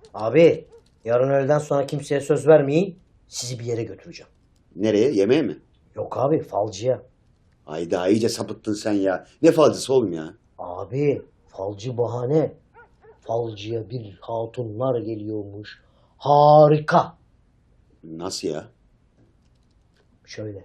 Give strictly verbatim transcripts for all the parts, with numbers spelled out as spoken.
Abi yarın öğleden sonra kimseye söz vermeyin. Sizi bir yere götüreceğim. Nereye? Yemeğe mi? Yok abi falcıya. Hayda iyice sapıttın sen ya. Ne falcısı oğlum ya? Abi falcı bahane. Falcıya bir hatunlar geliyormuş. Harika. Nasıl ya? Şöyle.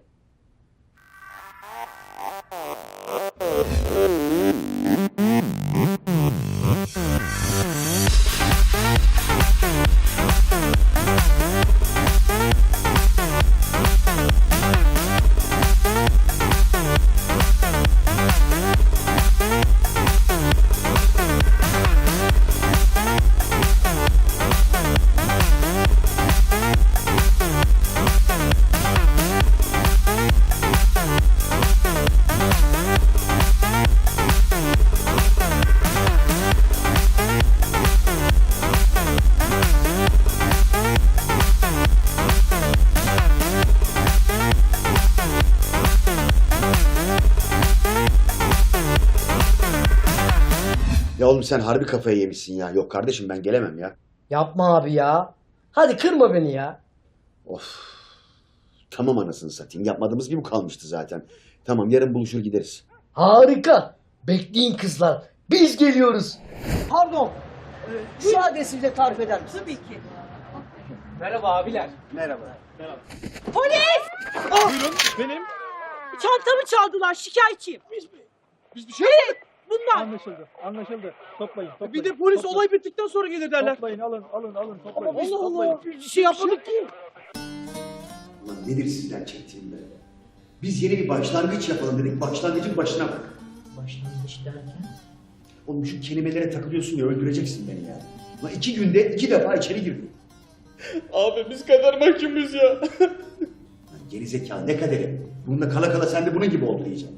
Ya oğlum sen harbi kafayı yemişsin ya. Yok kardeşim ben gelemem ya. Yapma abi ya. Hadi kırma beni ya. Of. Tamam anasını satayım. Yapmadığımız gibi kalmıştı zaten. Tamam yarın buluşur gideriz. Harika. Bekleyin kızlar. Biz geliyoruz. Pardon. Ee, şu adresi bize tarif eder misin? Tabii ki. Merhaba abiler. Merhaba. Polis! Buyurun benim. Çantamı çaldılar, şikayetçiyim. Biz, biz bir şey yapmadık. Bunlar. Anlaşıldı. Anlaşıldı. Toplayın. toplayın. Bir de polis toplayın. olay bittikten sonra gelir derler. Toplayın alın alın alın toplayın. Allah Toplayın. Allah, bir şey yapmadık ki. Ulan nedir sizden çektiğim be? Biz yeni bir başlangıç yapalım dedik. Başlangıcın başına bak. Başlangıç derken? Oğlum şu kelimelere takılıyorsun ya öldüreceksin beni ya. Ulan iki günde iki defa içeri girdim. Abi biz kadar mahkumuz ya. Lan gerizekalı ne kaderi. Bununla kala kala sen de bunun gibi oldu diyeceğim.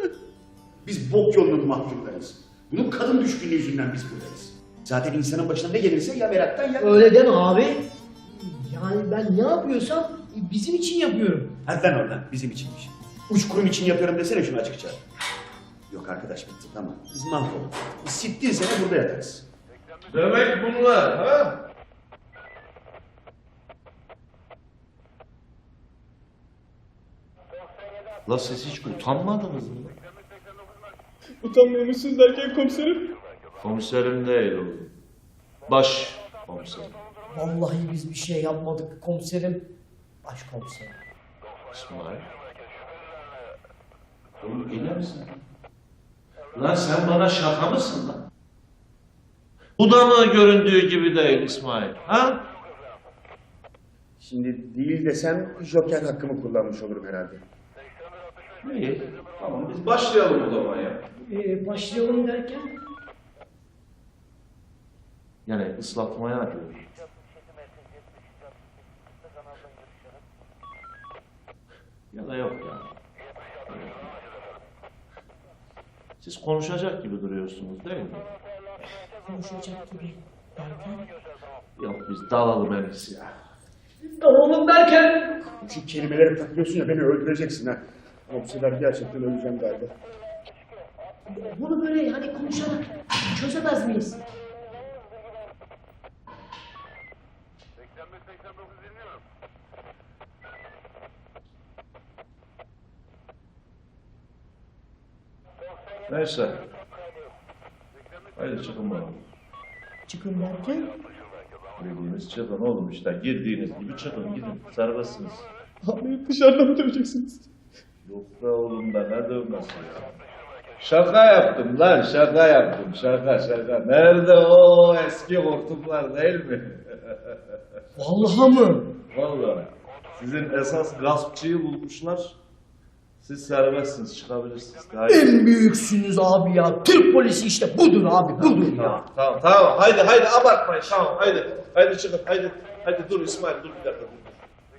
Biz bok yolunun mahkumlarıyız. Bunun kadın düşkünlüğü yüzünden biz buradayız. Zaten insanın başına ne gelirse ya meraktan ya... Öyle deme abi. Yani ben ne yapıyorsam bizim için yapıyorum. Hadi lan oradan bizim içinmiş. Uç kurum için yapıyorum desene şunu açıkça. Yok arkadaş bitti tamam. Biz mahvolduk. Biz sittin sene burada yatarız. Demek bunlar ha? La siz hiç utanmadınız mı? Utanmıyor musunuz derken komiserim? Komiserim değil oğlum. Baş komiserim. Vallahi biz bir şey yapmadık komiserim. Başkomiserim. İsmail. Oğlum iyi misin? Lan sen bana şaka mısın lan? Bu da mı göründüğü gibi değil İsmail? Ha? Şimdi değil desem joker hakkımı kullanmış olurum herhalde. İyi. Tamam biz başlayalım o zaman ya. Ee, başlayalım derken? Yani ıslatmaya diyorum. Ya da yok ya. Siz konuşacak gibi duruyorsunuz değil mi? Konuşacak gibi derken? Yok biz dalalım en iyisi ya. Dalalım derken? Şu kelimelere takılıyorsun ya beni öldüreceksin ha. Ama bu sefer gerçekten öleceğim galiba. Bunu böyle hani konuşarak çözemez miyiz? Neyse. Haydi çıkın bakalım. Çıkın derken? Dediğiniz çıkın oğlum işte. Girdiğiniz gibi çıkın gidin. Serbestsiniz. Abi dışarıda mı döveceksiniz? Yok be oğlum da ne dövmesi ya. Şaka yaptım lan şaka yaptım şaka şaka. Nerede o eski hortumlar değil mi? Vallahi mı? Vallahi. Sizin esas gaspçıyı bulmuşlar. Siz serbestsiniz çıkabilirsiniz. Haydi. En büyüksünüz abi ya. Türk polisi işte budur abi budur ya. Tamam, tamam, tamam. Haydi, haydi abartmayın. Tamam, haydi. Haydi çıkın, haydi. Haydi dur İsmail, dur bir dakika. Dur.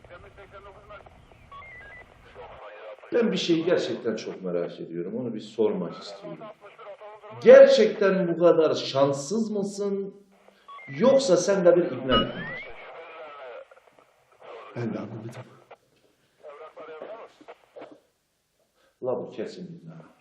Ben bir şeyi gerçekten çok merak ediyorum. Onu bir sormak istiyorum. Gerçekten bu kadar şanssız mısın? Yoksa sende bir ikna mi var? Ben de anlamadım. La bu kesin ikna.